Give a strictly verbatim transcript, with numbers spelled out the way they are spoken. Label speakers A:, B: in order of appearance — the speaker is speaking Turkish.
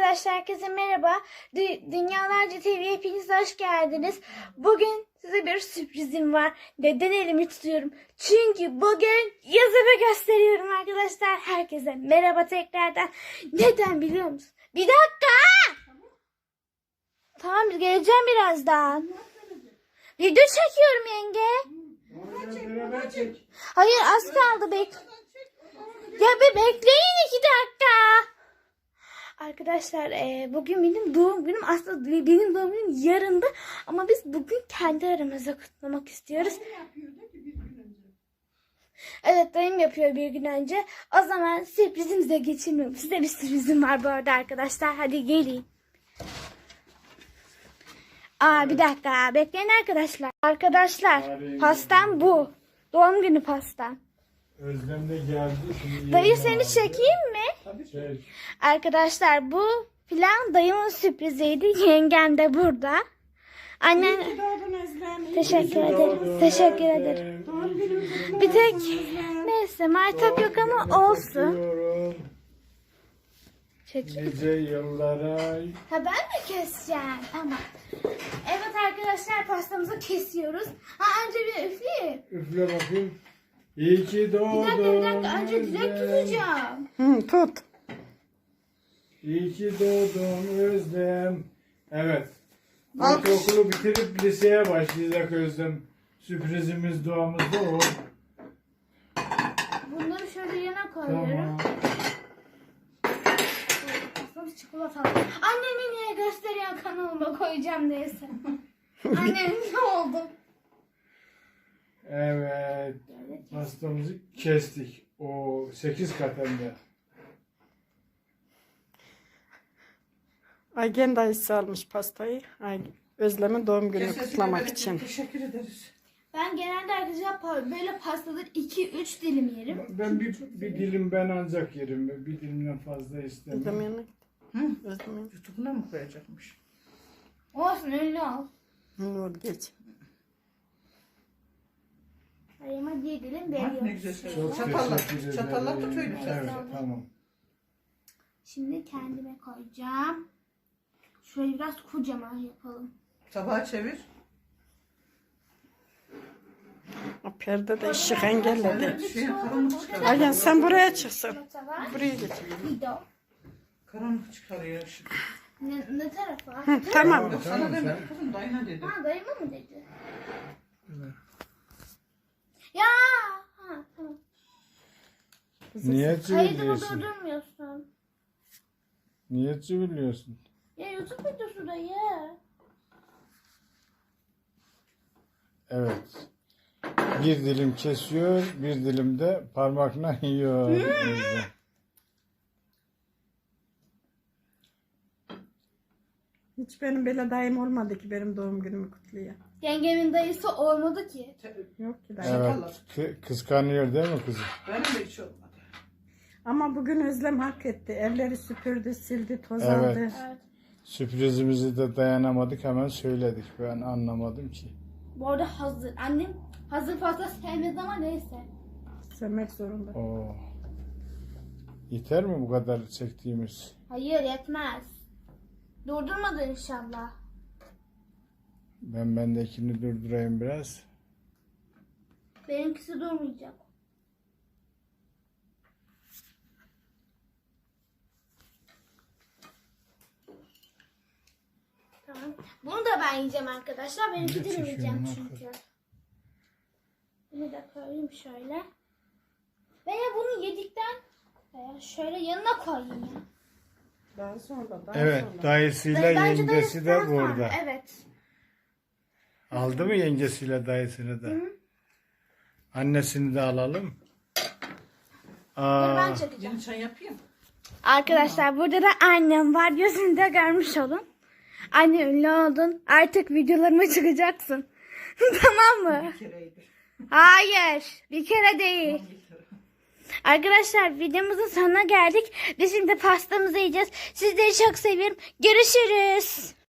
A: Arkadaşlar herkese merhaba. Dü- Dünyalarca T V'ye hepiniz hoş geldiniz. Bugün size bir sürprizim var. Neden elimi tutuyorum? Çünkü bugün yüzümü gösteriyorum arkadaşlar. Herkese merhaba tekrardan. Neden biliyor musun? Bir dakika. Tamam geleceğim birazdan. Video çekiyorum yenge. Hayır az kaldı bek. Ya bir bekleyin iki dakika. Arkadaşlar e, bugün benim doğum günüm, aslında benim doğum günüm yarındı ama biz bugün kendi aramızda kutlamak istiyoruz. Evet dayım yapıyor bir gün önce. O zaman sürprizimize geçelim. Size bir sürprizim var bu arada arkadaşlar. Hadi gelin. Aa bir dakika bekleyin arkadaşlar. Arkadaşlar pastam bu. Doğum günü pastam.
B: Özlem de geldi. Şimdi
A: Dayı
B: yerine
A: seni
B: aldı.
A: çekeyim mi?
B: Çek.
A: Arkadaşlar bu plan dayımın sürpriziydi. Yengem de burada. Annem teşekkür ederim. Teşekkür ederim. Bir tek neyse maytap yok ama olsun.
B: Öpüyorum.
A: Çek.
B: Nice yıllara.
A: Ha ben mi keseceğim? Tamam. Evet arkadaşlar pastamızı kesiyoruz. Ha önce bir üfleyeyim.
B: Üfle bakayım. İyi ki doğdun.
A: Bir dakika bir dakika önce dilek
B: Özlem.
A: tutacağım.
C: Hı, tut.
B: İyi ki doğdun Özlem. Evet.
C: Alkış.
B: Okulu bitirip liseye başlayacak Özlem. Sürprizimiz doğamızda o.
A: Bunları şöyle yana koyuyorum.
B: Tamam.
A: Pastamız çikolatalı. Annemi niye gösteriyor kanalıma koyacağım neyse. Annem ne oldu?
B: Evet. Pastamızı kestik. O sekiz kat hem de.
C: Aygen dayısı almış pastayı. Ay, Özlem'in doğum gününü
D: Teşekkür
C: kutlamak
D: ederim,
C: için.
D: Teşekkür ederiz.
A: Ben genelde arkadaşlar pa- böyle pastaları iki üç dilim yerim.
B: Ben bir, bir dilim ben ancak yerim. Bir dilimden fazla
C: Özlem
B: istemem.
C: yanına.
D: Hı?
C: Özlem yanına.
D: YouTube'una mı koyacakmış?
A: Olsun ünlü ol.
C: Hı, ol geç.
A: Ayıma diye dilim
D: Bak ne
A: veriyorum.
D: güzel şey.
B: Çok
D: Çatalla,
B: teşekkür ederim.
D: çatalla tut öyle.
B: Evet, tamam.
A: Şimdi kendime koyacağım. Şöyle biraz kocaman yapalım.
D: Tabağı çevir.
C: O perde de ışık engelledi.
D: Evet, şey, karanlık çıkarıyor.
C: Aygen sen buraya çıksın.
A: Çikolata var.
C: Buraya geç.
A: Video.
D: Karanlık çıkarıyor ışık.
A: Ne, ne tarafa?
C: Hı, tamam.
D: Yok sana
B: tamam,
D: demedim
B: sen-
D: kızım, dayına dedim.
A: Ha dayıma mı dedi? Ya. Ha tamam.
B: Niye
A: Kaydı
B: çiviliyorsun?
A: durdurmuyorsun.
B: Niye çiviliyorsun?
A: Ya YouTube videosu dayı.
B: Evet. Bir dilim kesiyor, bir dilim de parmakla yiyor. Özlem.
C: Hiç benim böyle dayım olmadı ki benim doğum günümü kutluyor.
A: Yengemin dayısı olmadı ki.
C: Yok ki dayı.
B: Evet. kı- Kıskanıyor değil mi kızım?
D: Benim de hiç olmadı.
C: Ama bugün Özlem hak etti. Evleri süpürdü, sildi, toz
B: Evet.
C: aldı.
A: Evet.
B: Sürprizimizi de dayanamadık, hemen söyledik. Ben anlamadım ki.
A: Bu arada hazır. Annem hazır pasta sevmez ama neyse.
C: Sevmek zorunda.
B: Oo. Yeter mi bu kadar çektiğimiz?
A: Hayır yetmez. Durdurmadın inşallah.
B: Ben bendekini durdurayım biraz.
A: Benimkisi durmayacak. Tamam. Bunu da ben yiyeceğim arkadaşlar. Benimki
B: Ne
A: dilim yiyeceğim
B: çekiyorsun,
A: çünkü. Bunu da koyayım şöyle. Veya bunu yedikten veya şöyle yanına koyayım ya.
C: Daha sonra, daha
B: Evet,
C: sonra.
B: dayısıyla
A: Dayı- bence
B: yengesi
A: dayısı
B: de
A: daha sonra.
B: burada.
A: Evet.
B: Aldı mı yengesiyle dayısını da? Annesini de alalım.
A: Dur
B: Aa,
A: ben çekeceğim.
D: Yeni çay yapayım.
A: Arkadaşlar burada da annem var. Gözünü de görmüş olun. Anne ünlü oldun. Artık videolarıma çıkacaksın. Tamam mı?
D: Bir kereydi.
A: Hayır. Bir kere değil.
D: Bir kere.
A: Arkadaşlar videomuzun sonuna geldik. Biz şimdi pastamızı yiyeceğiz. Sizleri çok seviyorum. Görüşürüz.